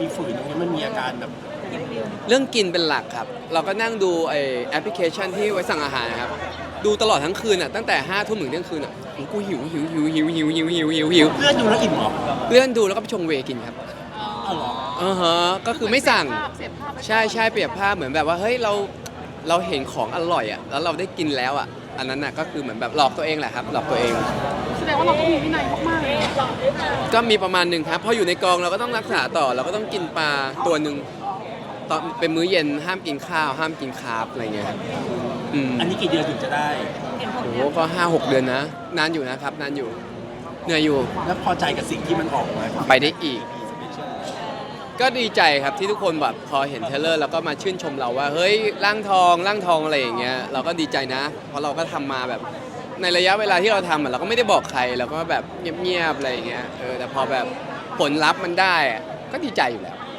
มีฝืนตรงนี้มันมีอาการแบบเรื่องกินเป็นหลักครับเราก็นั่งดูไอแอปพลิเคชันที่ไว้สั่งอาหารนะครับดูตลอดทั้งคืนอ่ะตั้งแต่5 ทุ่มถึงเที่ยงคืนอ่ะกูหิวเลื่อนดูแล้วอิ่มเหรอเลื่อนดูแล้วก็ไปชงเวย์กินครับอ๋อเหรอฮะก็คือไม่สั่งเสียภาพใช่เปรียบภาพเหมือนแบบว่าเฮ้ยเราเห็นของอร่อยอ่ะแล้วเราได้กินแล้วอ่ะอันนั้นน่ะก็คือเหมือนแบบหลอกตัวเองแหละครับหลอกตัวเองแสดงว่าเราต้องมีวินัยมากๆเลยก็มีประมาณหนึ่งครับพออยู่ในกองเราก็ต้องรักษาต่อเราก็ต้องกินปลาตัวหนึ่งตอนเป็นมื้อเย็นห้ามกินข้าวห้ามกินคาร์บอะไรเงี้ยครับอันนี้กี่เดือนถึงจะได้โอ้โหก็5-6 เดือนนะนานอยู่นะครับนานอยู่เหนื่อยอยู่แล้วพอใจกับสิ่งที่มันออกมาไปได้อีก ก็ดีใจครับที่ทุกคนแบบพอเห็นเทรลเลอร์แล้วก็มาชื่นชมเราว่าเฮ้ยร่างทองอะไรอย่างเงี้ยเราก็ดีใจนะ เพราะเราก็ทำมาแบบในระยะเวลาที่เราทำเราก็ไม่ได้บอกใครเราก็แบบเงียบๆอะไรอย่างเงี้ยแต่พอแบบผลลัพธ์มันได้อะก็ดีใจอยู่แล้ว